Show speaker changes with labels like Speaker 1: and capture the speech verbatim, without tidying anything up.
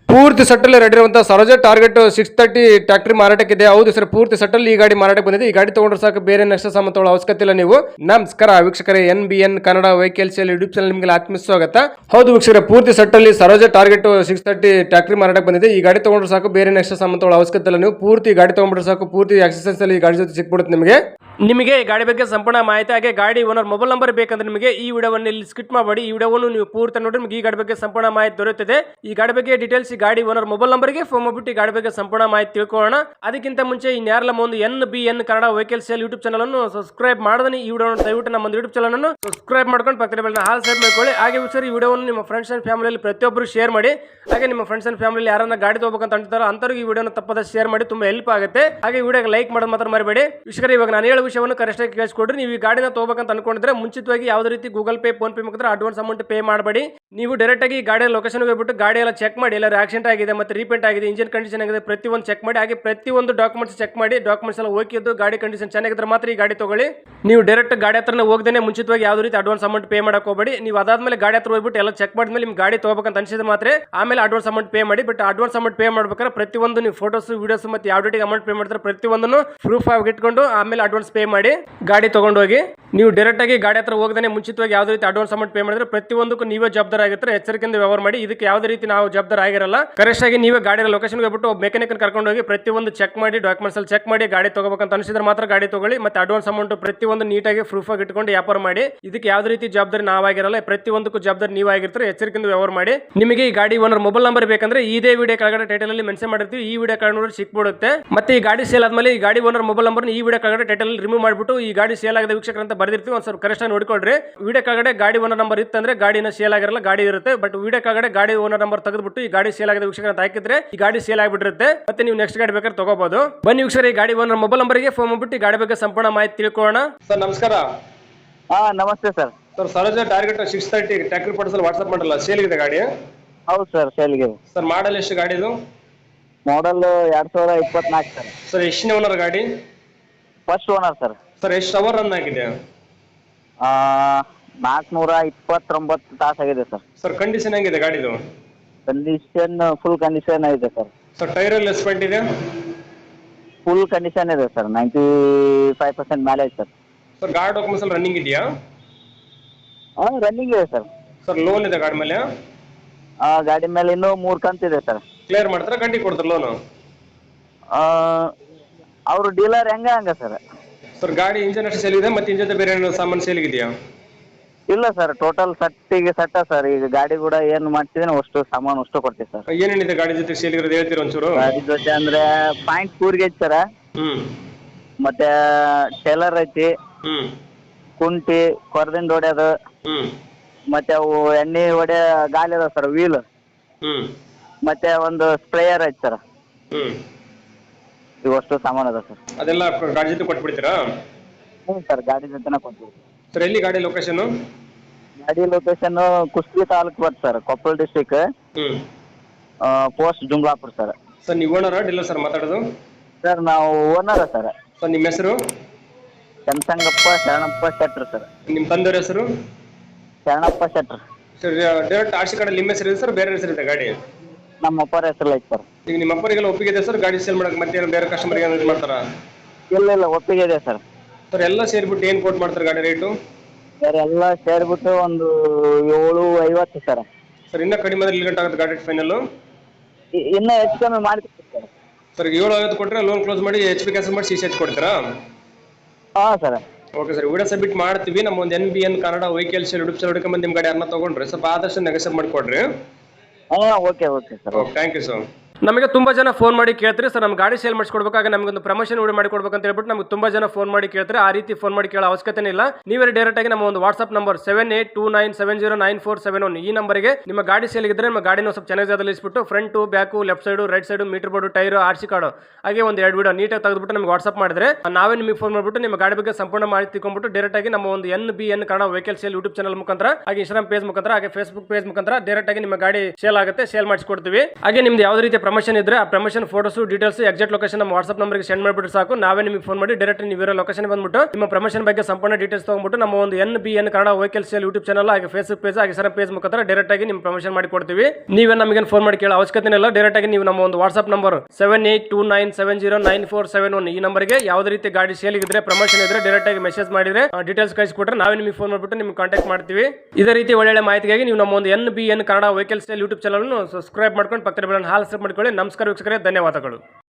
Speaker 1: ಪೂರ್ತಿ ಸೆಟ್ಟಲ್ಲಿ ರೆಡಿ ಇರುವಂತಹ Swaraj target six thirty tractor ಮಾರಾಟಕ್ಕಿದೆ. ಹೌದು ಸರ್, ಪೂರ್ತಿ ಸೆಟ್ಟಲ್ಲಿ ಈ ಗಾಡಿ ಮಾರಾಟಕ್ಕೆ ಬಂದಿದೆ. ಈ ಗಾಡಿ ತಗೊಂಡ್ರೆ ಸಾಕು, ಬೇರೆ ನೆಕ್ಸ್ಟ್ ಸಾಮಾನು ತಗೊಳ್ಳೋ ಅವಶ್ಯಕತೆ ಇಲ್ಲ ನೀವು. ನಮಸ್ಕಾರ ವೀಕ್ಷಕರೇ, N B N Kannada vehicles YouTube channel ನಿಮಗೆ ಆತ್ಮ ಸ್ವಾಗತ. ಹೌದು ವೀಕ್ಷಕರೇ, ಪೂರ್ತಿ ಸೆಟ್ಟಲ್ಲಿ Swaraj target six thirty tractor ಮಾರಾಟಕ್ಕೆ ಬಂದಿದೆ. ಈ ಗಾಡಿ ತಗೊಂಡ್ರೆ ಸಾಕು, ಬೇರೆ ನೆಕ್ಸ್ಟ್ ಸಾಮಾನು ತಗೊಳ್ಳೋ ಅವಶ್ಯಕತೆ ಇಲ್ಲ ನೀವು. ಪೂರ್ತಿ ಗಾಡಿ ತಗೊಂಡ್ರೆ ಸಾಕು, ಪೂರ್ತಿ ಎಕ್ಸಸೈಸ್ ಅಲ್ಲಿ ಈ ಗಾಡಿ ಜೊತೆ ಸಿಕ್ಬಿಡುತ್ತೆ ನಿಮಗೆ. ನಿಮಗೆ ಈ ಗಾಡಿ ಬಗ್ಗೆ ಸಂಪೂರ್ಣ ಮಾಹಿತಿ ಹಾಗೆ ಗಾಡಿ ಓನರ್ ಮೊಬೈಲ್ ನಂಬರ್ ಬೇಕಂದ್ರೆ ನಿಮಗೆ ಈ ವಿಡಿಯೋವನ್ನು ಇಲ್ಲಿ ಸ್ಕಿಪ್ ಮಾಡಬೇಡಿ. ಈ ವಿಡಿಯೋವನ್ನು ನೀವು ಪೂರ್ತಿ ನೋಡಿ ನಿಮಗೆ ಈ ಗಾಡಿ ಬಗ್ಗೆ ಸಂಪೂರ್ಣ ಮಾಹಿತಿ ದೊರೆಯುತ್ತದೆ. ಈ ಗಾಡಿ ಬಗ್ಗೆ ಡೀಟೇಲ್ಸ್ ಈ ಗಾಡಿ ಓನರ್ ಮೊಬೈಲ್ ನಂಬರ್ಗೆ ಫೋನ್ ಮಾಡಿಬಿಟ್ಟು ಈ ಗಾಡಿ ಬಗ್ಗೆ ಸಂಪೂರ್ಣ ಮಾಹಿತಿ ತಿಳ್ಕೊಳ್ಳೋಣ. ಅದಕ್ಕಿಂತ ಮುಂಚೆ ಇನ್ಯಾರಲ್ಲ ಒಂದು N B N Kannada vehicle sale YouTube channel ಅನ್ನು ಸಬ್ಸ್ಕ್ರೈಬ್ ಮಾಡಿದ್ರೆ ಈ ವಿಡಿಯೋ ದಯವಿಟ್ಟು ನಮ್ಮ ಯೂಟ್ಯೂಬ್ ಚಾನಲ್ ಅನ್ನು ಸಬ್ಸ್ಕ್ರೈಬ್ ಮಾಡ್ಕೊಂಡು ಪಕ್ಕದ ಬೆಲ್ನ ಹಾಲ್ ಸೈಡ್ ಮಾಡ್ಕೊಳ್ಳಿ. ಹಾಗೆ ಸರ್, ಈ ವಿಡಿಯೋವನ್ನು ನಿಮ್ಮ ಫ್ರೆಂಡ್ಸ್ ಅಂಡ್ ಫ್ಯಾಮಿಲಿಯಲ್ಲಿ ಪ್ರತಿಯೊಬ್ಬರು ಶೇರ್ ಮಾಡಿ. ಹಾಗೆ ನಿಮ್ಮ ಫ್ರೆಂಡ್ಸ್ ಅಂಡ್ ಫ್ಯಾಮಿಲಿ ಯಾರನ್ನ ಗಾಡಿ ತಗೋಬೇಕಂತ ಅಂತಾರೋ ಅಂತವ್ರಿಗೆ ಈ ವಿಡಿಯೋನ ತಪ್ಪದ ಶೇರ್ ಮಾಡಿ, ತುಂಬಾ ಹೆಲ್ಪ್ ಆಗುತ್ತೆ. ಹಾಗೆ ವಿಡಿಯೋಗೆ ಲೈಕ್ ಮಾಡೋದು ಮಾತ್ರ ಮರಿಬೇಡಿ. ವಿಷಯ ಇವಾಗ ನಾನು ಹೇಳೋ ವಿಷಯವನ್ನು ಕರೆಕ್ಟ್ ಆಗಿ ಕೇಳಿಸ್ಕೊಡ್ರಿ. ನೀವು ಈ ಗಾಡಿನ ತಗೋಬೇಕಂತ ಅನ್ಕೊಂಡಿದ್ರೆ ಮುಂಚಿತವಾಗಿ ಯಾವುದೇ ರೀತಿ ಗೂಗಲ್ ಪೇ, ಫೋನ್ ಪೇ ಮುಖಾಂತರ ಅಡ್ವಾನ್ಸ್ ಅಮೌಂಟ್ ಪೇ ಮಾಡಬೇಡಿ. ನೀವು ಡೈರೆಕ್ಟ್ ಆಗಿ ಗಾಡಿಯ ಲೊಕೇಶನ್ ಹೋಗ್ಬಿಟ್ಟು ಗಾಡಿ ಎಲ್ಲ ಚೆಕ್ ಮಾಡಿ, ಎಲ್ಲ ಆಕ್ಸಿಡೆಂಟ್ ಆಗಿದೆ ಮತ್ತೆ ರೀಪೇಂಟ್ ಆಗಿದೆ, ಇಂಜಿನ್ ಕಂಡೀಷನ್ ಆಗಿದೆ, ಪ್ರತಿಯೊಂದು ಚೆಕ್ ಮಾಡಿ. ಹಾಗೆ ಪ್ರತಿಯೊಂದು ಡಾಕ್ಯುಮೆಂಟ್ಸ್ ಚೆಕ್ ಮಾಡಿ, ಡಾಕ್ಯುಮೆಂಟ್ಸ್ ಎಲ್ಲ ಓಕೆ ಇದ್ದು ಗಾಡಿ ಕಂಡೀಷನ್ ಚೆನ್ನಾಗಿದ್ರೆ ಮಾತ್ರ ಈ ಗಾಡಿ ತಗೊಳ್ಳಿ. ನೀವು ಡೈರೆಕ್ಟ್ ಗಾಡಿ ಹತ್ರನೇ ಹೋಗದೇನೆ ಮುಂಚಿತವಾಗಿ ಯಾವುದೇ ರೀತಿ ಅಡ್ವಾನ್ಸ್ ಅಮೌಂಟ್ ಪೇ ಮಾಡಕ್ ಹೋಗಬೇಡಿ. ನೀವು ಅದಾದ್ಮೇಲೆ ಗಾಡಿ ಹತ್ರ ಹೋಗ್ಬಿಟ್ಟು ಎಲ್ಲ ಚೆಕ್ ಮಾಡಿದ್ಮೇಲೆ ನಿಮ್ ಗಾಡಿ ತಗೋಬೇಕಂತ ಅನ್ಸಿದ್ರೆ ಮಾತ್ರ ಆಮೇಲೆ ಅಡ್ವಾನ್ಸ್ ಅಮೌಂಟ್ ಪೇ ಮಾಡಿ. ಬಟ್ ಅಡ್ವಾನ್ಸ್ ಅಮೌಂಟ್ ಪೇ ಮಾಡ್ಬೇಕಾದ್ರೆ ಪ್ರತಿಯೊಂದು ನೀವು ಫೋಟೋಸ್, ವಿಡಿಯೋಸ್ ಮತ್ತೆ ಯಾವ ಡೇಟಿಗೆ ಅಮೌಂಟ್ ಪೇ ಮಾಡ್ತಾರೆ ಪ್ರತಿಯೊಂದನ್ನು ಪ್ರೂಫ್ ಆಗಿ ಇಟ್ಕೊಂಡು ಆಮೇಲೆ ಅಡ್ವಾನ್ಸ್ ಪೇ ಮಾಡಿ ಗಾಡಿ ತಗೊಂಡು ಹೋಗಿ. ನೀವು ಡೈರೆಕ್ಟ್ ಆಗಿ ಗಾಡಿ ಹತ್ರ ಹೋಗದೇ ಮುಂಚಿತವಾಗಿ ಯಾವುದೇ ರೀತಿ ಅಡ್ವಾನ್ಸ್ ಅಮೌಂಟ್ ಪೇ ಮಾಡಿದ್ರೆ ಪ್ರತಿಯೊಂದಕ್ಕೂ ನೀವೇ ಜವಾಬ್ದಾರ ಆಗಿರ್ತಾರೆ. ಎಚ್ಚರಿಕೆಯಿಂದ ವ್ಯವಹಾರ ಮಾಡಿ. ಇದಕ್ಕೆ ಯಾವುದೇ ರೀತಿ ನಾವು ಜವಾಬ್ದಾರ ಆಗಿರಲ್ಲ. ಕರೆಕ್ಟ್ ಆಗಿ ನೀವೇ ಗಾಡಿ ಲೊಕೇಶನ್ ಹೋಗ್ಬಿಟ್ಟು ಮೆಕ್ಯಾನಿಕ್ ಕರ್ಕೊಂಡು ಹೋಗಿ ಪ್ರತಿಯೊಂದು ಚೆಕ್ ಮಾಡಿ, ಡಾಕ್ಯುಮೆಂಟ್ಸ್ ಅಲ್ಲಿ ಚೆಕ್ ಮಾಡಿ ಗಾಡಿ ತಗೋಬೇಕಂತ ಅನಿಸಿದ್ರೆ ಮಾತ್ರ ಗಾಡಿ ತಗೊಳ್ಳಿ. ಮತ್ತೆ ಅಡ್ವಾನ್ಸ್ ಅಮೌಂಟ್ ಪ್ರತಿಯೊಂದು ನೀಟಾಗಿ ಪ್ರೂಫ್ ಆಗಿ ಇಟ್ಕೊಂಡು ವ್ಯಾಪಾರ ಮಾಡಿ. ಇದಕ್ಕೆ ಯಾವುದೇ ರೀತಿ ಜವಾಬ್ದಾರಿ ನಾವಾಗಿರಲ್ಲ, ಪ್ರತಿಯೊಂದಕ್ಕೂ ಜವಾಬ್ದಾರಿ ನೀವಾಗಿರ್ತಾರೆ. ಎಚ್ಚರಿಕೆಯಿಂದ ವ್ಯವಹಾರ ಮಾಡಿ. ನಿಮಗೆ ಈ ಗಾಡಿ ಓನರ್ ಮೊಬೈಲ್ ನಂಬರ್ ಬೇಕಂದ್ರೆ ಇದೇ ವಿಡಿಯೋ ಕೆಳಗಡೆ ಟೈಟಲ್ ಅಲ್ಲಿ ಮೆನ್ಷನ್ ಮಾಡಿರ್ತೀವಿ. ಈ ವಿಡಿಯೋ ಕೆಳಗಡೆ ನೋಡಿ ಸಿಕ್ಬಿಡುತ್ತೆ. ಮತ್ತೆ ಈ ಗಾಡಿ ಸೇಲ್ ಆದ್ಮೇಲೆ ಈ ಗಾಡಿ ಓನರ್ ಮೊಬೈಲ್ ನಂಬರ್ ಈ ವಿಡಿಯೋ ಕೆಳಗಡೆ ಟೈಟಲ್ ರಿಮೂವ್ ಮಾಡಿಬಿಟ್ಟು ಈ ಗಾಡಿ ಸೇಲ್ ಆಗದ ವೀಕ್ಷಕರು ಅಂತ ಬರ್ದಿರ್ತೀವಿ. ಒಂದು ಸ್ವಲ್ಪ ಕರೆಕ್ಟ್ ಆಗಿ ನೋಡ್ಕೊಳ್ರಿ. ವಿಡಿಯೋ ಕೆಳಗಡೆ ಗಾಡಿ ಓನರ್ ನಂಬರ್ ಇತ್ತಂದ್ರೆ ಗಾಡಿನ ಸೇಲ್ ಆಗಿರಲ್ಲ, ಗಾಡಿ ಇರುತ್ತೆ. ಬಟ್ ವಿಡಿಯೋ ಕೆಳಗಡೆ ಗಾಡಿ ಓನರ್ ನಂಬರ್ ತೆಗೆದ್ಬಿಟ್ಟು ಈ ಗಾಡಿ ಸೇಲ್ ಆಗದ ವೀಕ್ಷಕರು ಅಂತ ಹಾಕಿದ್ರೆ ಈ ಗಾಡಿ ಸೇಲ್ ಆಗಿಬಿಟ್ಟಿರುತ್ತೆ. ಮತ್ತೆ ನೀವು ನೆಕ್ಸ್ಟ್ ಗಾಡಿ ಬೇಕಾದ್ರೆ ತಗೋಬಹುದು. ಬನ್ನಿ ವೀಕ್ಷಕರು, ಈ ಗಾಡಿ ಓನರ್ ಮೊಬೈಲ್ ನಂಬರ್ಗೆ ಫೋನ್ ಮಾಡ್ಬಿಟ್ಟು ಈ ಗಾಡಿ ಬಗ್ಗೆ ಸಂಪೂರ್ಣ ಮಾಹಿತಿ ತಿಳ್ಕೊಳ್ಳೋಣ. ಸರ್ ನಮಸ್ಕಾರ.
Speaker 2: ಹಾ ನಮಸ್ತೆ sir.
Speaker 1: Sir Swaraj target six thirty tractor ಪಡಿಸಲು ವಾಟ್ಸ್ಆಪ್ ಮಾಡಲ್ಲ, ಸೇಲ್ ಇದೆ ಗಾಡಿ?
Speaker 2: ಹೌದು ಸರ್, ಸೇಲ್ಗೆ.
Speaker 1: ಸರ್ ಮಾಡಲ್ ಎಷ್ಟು ಗಾಡಿದು?
Speaker 2: ಮಾಡಲ್ ಎರಡ್ ಸಾವಿರದ ಇಪ್ಪತ್ನಾಲ್ಕು ಸರ್.
Speaker 1: ಸರ್ ಎಷ್ಟನೇ ಓನರ್ ಗಾಡಿ?
Speaker 2: First owner sir.
Speaker 1: ಸರ್ ಎಷ್ಟು ಅವರ್ ರನ್ ಆಗಿದೆ?
Speaker 2: ನಾಲ್ಕುನೂರ ಇಪ್ಪತ್ತೊಂಬತ್ತು ತಾಸು ಆಗಿದೆ ಸರ್.
Speaker 1: ಸರ್ ಕಂಡೀಷನ್ ಹೆಂಗಿದೆ ಗಾಡಿದು?
Speaker 2: ಕಂಡೀಷನ್ ಫುಲ್ ಕಂಡೀಷನ್ ಇದೆ ಸರ್.
Speaker 1: ಸರ್ ಟೈರ್ ಎಲ್ಲ ಎಸ್ಪೆಂಟ್ ಇದೆ?
Speaker 2: ಫುಲ್ ಕಂಡೀಷನ್ ಇದೆ ಸರ್. ನೈಂಟಿ ಫೈವ್ ಪರ್ಸೆಂಟ್ ಮೇಲೆ ಇದೆ ಸರ್.
Speaker 1: ಸರ್ ಗಾಡಿ ಡಾಕ್ಯುಮೆಂಟ್ಸ್ ಎಲ್ಲ ರನ್ನಿಂಗ್ ಇದೆಯಾ?
Speaker 2: ಹಾಂ ರನ್ನಿಂಗ್ ಇದೆ ಸರ್.
Speaker 1: ಸರ್ ಲೋನ್ ಇದೆ ಗಾಡಿ ಮೇಲೆ?
Speaker 2: ಗಾಡಿ ಮೇಲೆ ಇನ್ನೂ ಮೂರು ಕಂತಿದೆ ಸರ್.
Speaker 1: ಕ್ಲಿಯರ್ ಮಾಡ್ತಾರೆ, ಗಂಟೆ ಕೊಡ್ತಾರೆ ಲೋನು?
Speaker 2: ಅವರು ಡೀಲರ್ ಹೆಂಗ ಹಂಗ ಸರ್.
Speaker 1: ಸರ್ ಗಾಡಿ ಇಂಜನ್ ಅಷ್ಟು ಸೇಲ್ ಇದೆ, ಮತ್ತೆ ಇಂಜನ್ ಬೇರೆ ಏನೋ ಸಾಮಾನು ಸೇಲ್ ಇದೆಯಾ?
Speaker 2: ಇಲ್ಲ ಸರ್, ಟೋಟಲ್ ಸಟ್ಟಿಗೆ ಸಟ್ಟ ಸರ್. ಈಗ ಗಾಡಿ ಕೂಡ ಏನು ಮಾಡ್ತಿದ್ದೀನಿ ಅಷ್ಟು ಸಾಮಾನು ಅಷ್ಟು ಕೊಡ್ತೀವಿ ಸರ್.
Speaker 1: ಏನೇನಿದೆ ಗಾಡಿ ಜೊತೆ ಸೇಲ್ ಇರೋದು ಹೇಳ್ತೀರಾ ಒಂಚೂರು?
Speaker 2: ಗಾಡಿ ಜೊತೆ ಅಂದ್ರೆ ಪಾಯಿಂಟ್ ಕೂರ್ಗೆ ಐತಿ ಸರ್.
Speaker 1: ಹ್ಮ್.
Speaker 2: ಮತ್ತೆ ಟೇಲರ್ ಐತಿ,
Speaker 1: ಹ್ಮ್,
Speaker 2: ಕುಂಟಿ, ಕೊರದಿಂದ ಹೊಡ್ಯೋದು,
Speaker 1: ಹ್ಮ್,
Speaker 2: ಮತ್ತೆ ಅವು ಎಣ್ಣೆ ಹೊಡೆ ಗಾಲಿ ಅದ ಸರ್, ವೀಲ್,
Speaker 1: ಹ್ಮ್,
Speaker 2: ಮತ್ತೆ ಒಂದು ಸ್ಪ್ರೇಯರ್ ಐತಿ ಸರ್.
Speaker 1: ಹ್ಮ್.
Speaker 2: ಇವಷ್ಟು ಸಾಮಾನು ಅದ ಸರ್.
Speaker 1: ಅದೆಲ್ಲ ಗಾಡಿ ಜೊತೆ ಕೊಟ್ಬಿಡ್ತೀರಾ?
Speaker 2: ಹ್ಞೂ ಸರ್, ಗಾಡಿ ಜೊತೆನ ಕೊಡ್ತೀವಿ.
Speaker 1: ಸರ್ ಎಲ್ಲಿ ಗಾಡಿ ಲೊಕೇಶನ್?
Speaker 2: ಗಾಡಿ ಲೊಕೇಶನ್ ಕುಷ್ಟಗಿ ತಾಲೂಕು ಬರ್ತದೆ ಸರ್, ಕೊಪ್ಪಳ ಡಿಸ್ಟಿಕ್,
Speaker 1: ಹ್ಮ್,
Speaker 2: ಪೋಸ್ಟ್ ಜುಮ್ಲಾಪುರ್ ಸರ್.
Speaker 1: ಸರ್ ನೀವು ಓನರ್ ಡೀಲರ್ ಸರ್ ಮಾತಾಡೋದು?
Speaker 2: ಸರ್ ನಾವು ಓನರ್ ಸರ್.
Speaker 1: ಸರ್ ನಿಮ್ಮ ಹೆಸರು?
Speaker 2: ಚಂದ್ಸಂಗಪ್ಪ ಶರಣಪ್ಪ ಶೆಟ್ರ್ ಸರ್.
Speaker 1: ನಿಮ್ಮ ತಂದೆಯವ್ರ ಹೆಸರು?
Speaker 2: Sharanappa Shettar.
Speaker 1: Sir direct R C card ನಿಮ್ಮ ಹೆಸರು ಇದೆ ಸರ್, ಬೇರೆ ಹೆಸರು ಇದೆ ಗಾಡಿ?
Speaker 2: ನಮ್ಮ ಅಪ್ಪರ ಹೆಸರು ಐತೆ ಸರ್.
Speaker 1: ಈಗ ನಿಮ್ಮ ಅಪ್ಪರಿಗೆಲ್ಲ ಒಪ್ಪಿಗೆ ಇದೆ ಸರ್ ಗಾಡಿ ಸೇಲ್ ಮಾಡಕ್ಕೆ? ಮತ್ತೆ ಬೇರೆ ಕಸ್ಟಮರ್ಗೆ ಏನು ಮಾಡ್ತಾರಾ?
Speaker 2: ಇಲ್ಲ ಇಲ್ಲ, ಒಪ್ಪಿಗೆ ಇದೆ ಸರ್.
Speaker 1: ಸರ್ ಎಲ್ಲ ಸೇರಿಬಿಟ್ಟು ಏನು ಕೋಟ್ ಮಾಡ್ತಾರೆ ಗಾಡಿ ರೇಟು?
Speaker 2: ಸರ್ ಎಲ್ಲ ಸೇರಿಬಿಟ್ಟು ಒಂದು ಏಳು ಐವತ್ತು ಸರ್.
Speaker 1: ಸರ್ ಇನ್ನೂ ಕಡಿಮೆ ಅಂದ್ರೆ ಇಲ್ಲಿ ಗಂಟೆ ಆಗುತ್ತೆ ಗಾಡಿ ಫೈನಲ್?
Speaker 2: ಇನ್ನೂ ಹೆಚ್ಚು ಕಮ್ಮಿ ಮಾಡ್ತೀವಿ ಸರ್.
Speaker 1: ಸರ್ ಏಳು ಐವತ್ತು ಕೊಟ್ಟರೆ ಲೋನ್ ಕ್ಲೋಸ್ ಮಾಡಿ ಎಚ್ ಪಿ ಕ್ಯಾನ್ಸಲ್ ಮಾಡಿ ಸಿ ಸಿ ಎಚ್ ಕೊಡ್ತೀರಾ?
Speaker 2: ಹಾಂ sir.
Speaker 1: Okay sir, video submit ಮಾಡ್ತೀವಿ. ನಮ್ಮ ಒಂದು N B N Kannada vehicles YouTube channel ಹುಡುಕೊಂಬಂದು ನಿಮ್ಮ ಗಾಡಿ ಅನ್ನ ತೊಗೊಂಡ್ರಿ ಸ್ವಲ್ಪ ಆದಷ್ಟು ನೆಗೆಸಬ್ ಮಾಡಿಕೊಡ್ರಿ.
Speaker 2: ಹಾಂ okay okay sir.
Speaker 1: Okay, thank you sir. ನಮಗೆ ತುಂಬಾ ಜನ ಫೋನ್ ಮಾಡಿ ಕೇಳ್ತಾರೆ ಸರ್, ನಮ್ಮ ಗಾಡಿ ಸೇಲ್ ಮಾಡಿಸ್ಕೊಡ್ಬೇಕಾಗ ನಮಗೊಂದು ಪ್ರಮೋಷನ್ ವಿಡಿಯೋ ಮಾಡಿ ಕೊಡ್ಬೇಕು ಅಂತ ಹೇಳ್ಬಿಟ್ಟು ನಮಗೆ ತುಂಬಾ ಜನ ಫೋನ್ ಮಾಡಿ ಕೇಳ್ತಾರೆ. ಆ ರೀತಿ ಫೋನ್ ಮಾಡಿ ಕೇಳೋ ಅವಶ್ಯಕತೆ ಇಲ್ಲ. ನೀವೇ ಡೈರೆಕ್ಟ್ ಆಗಿ ನಮ್ಮ ಒಂದು WhatsApp number seven eight two nine seven zero nine four seven one ಈ ನಂಬರ್ಗೆ ನಿಮ್ಮ ಗಾಡಿ ಸೇಲ್ ಇದ್ರೆ ನಿಮ್ಮ ಗಾಡಿನ ಸ್ವಲ್ಪ ಚೆನ್ನಾಗಿ ಜಾಗದಲ್ಲಿ ಇಸ್ಬಿಟ್ಟು front, back, left side, right side, meter board, tyre, R C card ಹಾಗೆ ಒಂದು ಎರಡು ವಿಡಿಯೋ ನೀಟಾಗಿ ತೆಗೆದುಬಿಟ್ಟು ನಮಗೆ ವಾಟ್ಸ್ಆಪ್ ಮಾಡಿದ್ರೆ ನಾವೇ ನಿಮಗೆ ಫೋನ್ ಮಾಡಿಬಿಟ್ಟು ನಿಮ್ಮ ಗಾಡಿ ಬಗ್ಗೆ ಸಂಪೂರ್ಣ ಮಾಹಿತಿ ತಿಳ್ಕೊಂಡ್ಬಿಟ್ಟು ಡೈರೆಕ್ಟ್ ಆಗಿ ನಮ್ಮ ಒಂದು N B N Kannada vehicle sale YouTube channel ಮುಖಾಂತರ ಹಾಗೆ ಇನ್ಸ್ಟಾಗ್ರಾಮ್ ಪೇಜ್ ಮುಖಾಂತರ ಹಾಗೆ ಫೇಸ್ಬುಕ್ ಪೇಜ್ ಮುಖಾಂತರ ಡೈರೆಕ್ಟ್ ಆಗಿ ನಿಮ್ಮ ಗಾಡಿ ಸೇಲ್ ಆಗುತ್ತೆ, ಸೇಲ್ ಮಾಡಿಸ್ಕೊಡ್ತೀವಿ. ಹಾಗೆ ನಿಮ್ದು ಯಾವುದೇ ರೀತಿಯ ಪ್ರಮೋಷನ್ ಇದ್ರೆ ಆ promotion photos details exact location ನಮ್ಮ ವಾಟ್ಸ್ಆಪ್ ನಂಬರ್ಗೆ ಸೆಂಡ್ ಮಾಡಿಬಿಟ್ಟು ಸಾಕು. ನಾವೇ ನಿಮಗೆ ಫೋನ್ ಮಾಡಿ ಡೈರೆಕ್ಟ್ ನೀವು ಇರೋ ಲೊಕೇಶನ್ ಬಂದ್ಬಿಟ್ಟು ನಿಮ್ಮ ಪ್ರಮೋಷನ್ ಬಗ್ಗೆ ಸಂಪೂರ್ಣ ಡೀಟೇಲ್ಸ್ ತಗೊಂಡ್ಬಿಟ್ಟು ನಮ್ಮ ಒಂದು N B N Kannada vehicle sale YouTube channel ಹಾಗೆ ಫೇಸ್ಬುಕ್ ಪೇಜ್ ಹಾಗೆ ಸರ್ ಪೇಜ್ ಮುಖಾಂತರ ಡೈರೆಕ್ಟ್ ಆಗಿ ನಿಮ್ಮ ಪ್ರಮೋಷನ್ ಮಾಡಿ ಕೊಡ್ತೀವಿ. ನೀವೇ ನಮಗೆ ಫೋನ್ ಮಾಡಿ ಕೇಳೋ ಅವಶ್ಯಕತೆ ಇಲ್ಲ. ಡೈರೆಕ್ಟ್ ಆಗಿ ನೀವು ನಮ್ಮ ಒಂದು WhatsApp number seven eight two nine seven zero nine four seven one ಈ ನಂಬರ್ಗೆ ಯಾವುದೇ ರೀತಿ ಗಾಡಿ ಸೇಲ್ ಇದ್ರೆ ಪ್ರಮೋಷನ್ ಇದ್ರೆ ಡೈರೆಕ್ಟ್ ಆಗಿ ಮೆಸೇಜ್ ಮಾಡಿದ್ರೆ ಡೀಟೇಲ್ಸ್ ಕಳಿಸಿಕೊಟ್ರೆ ನಾವೇ ನಿಮಗೆ ಫೋನ್ ಮಾಡಿಬಿಟ್ಟು ನಿಮ್ಗೆ ಕಾಂಟ್ಯಾಕ್ಟ್ ಮಾಡ್ತೀವಿ. ಇದೇ ರೀತಿ ಒಳ್ಳೆ ಮಾಹಿತಿಗಾಗಿ ನೀವು ನಮ್ಮ ಒಂದು N B N Kannada vehicle sale YouTube channel subscribe ಮಾಡ್ಕೊಂಡು ಪಕ್ಕದ ಬೆಲ್ಲ ಹಾಲ್ ಸಬ್ ಮಾಡ್ಕೊಳ್ಳಿ. ನಮಸ್ಕಾರ ವೀಕ್ಷಕರೇ, ಧನ್ಯವಾದಗಳು.